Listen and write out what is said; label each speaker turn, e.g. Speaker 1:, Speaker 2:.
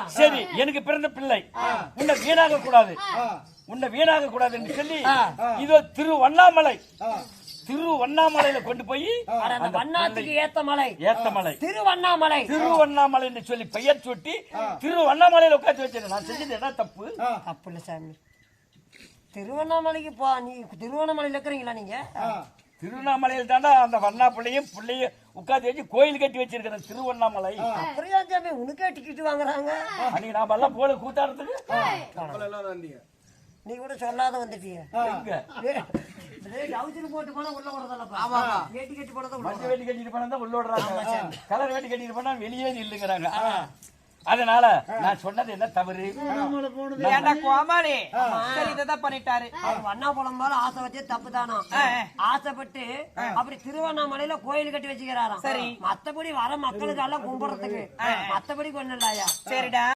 Speaker 1: சரி எனக்கு பிறந்த பிள்ளை உன்னை வீணாக கூடாது என்று சொல்லி இதோ திருவண்ணாமலையில கொண்டு போய்
Speaker 2: அந்த வண்ணாத்துக்கு ஏத்த மலை
Speaker 1: திருவண்ணாமலை என்று சொல்லி பெயர் சுட்டி திருவண்ணாமலையில உட்காந்து வச்சிருக்கேன். நான் செஞ்சது என்ன தப்பு
Speaker 2: இல்ல சாமி. திருவண்ணாமலைக்கு போ, நீ திருவண்ணாமலையில இருக்கிறீங்களா நீங்க?
Speaker 1: திருவண்ணாமலையில் தாண்டா அந்த வண்ணா பிள்ளையும் உட்காந்து வச்சு கோயில் கட்டி வச்சிருக்கிறேன் திருவண்ணாமலை.
Speaker 2: அப்படியா சாமி? உனக்கே டிக்கெட் வாங்குறாங்க.
Speaker 1: அன்னைக்கு நாம எல்லாம் போல கூத்தாடுறதுக்கு
Speaker 2: நீ கூட சொல்லாத வந்துட்டிய. போட்டு போனா உள்ள விடுறதா? வேட்டி கட்டி போனதான்
Speaker 1: வேட்டி கட்டிட்டு போனா உள்ள விடுறாங்க. கலர் வேட்டி கட்டிட்டு போனா வெளியே இல்லைங்கிறாங்க. அதனால நான் சொன்னது என்ன தவறு?
Speaker 3: கோமாளி இதான் பண்ணிட்டாரு.
Speaker 2: வண்ணா பழம் போல ஆசை வச்சு தப்பு தானா? ஆசைப்பட்டு அப்படி திருவண்ணாமலையில கோயில் கட்டி வச்சுக்கிறாராம். சரி, மத்தபடி வர மக்களுக்கு எல்லாம் கும்பிடுறதுக்கு, மத்தபடி கொண்டு இல்லையா?
Speaker 3: சரிடா.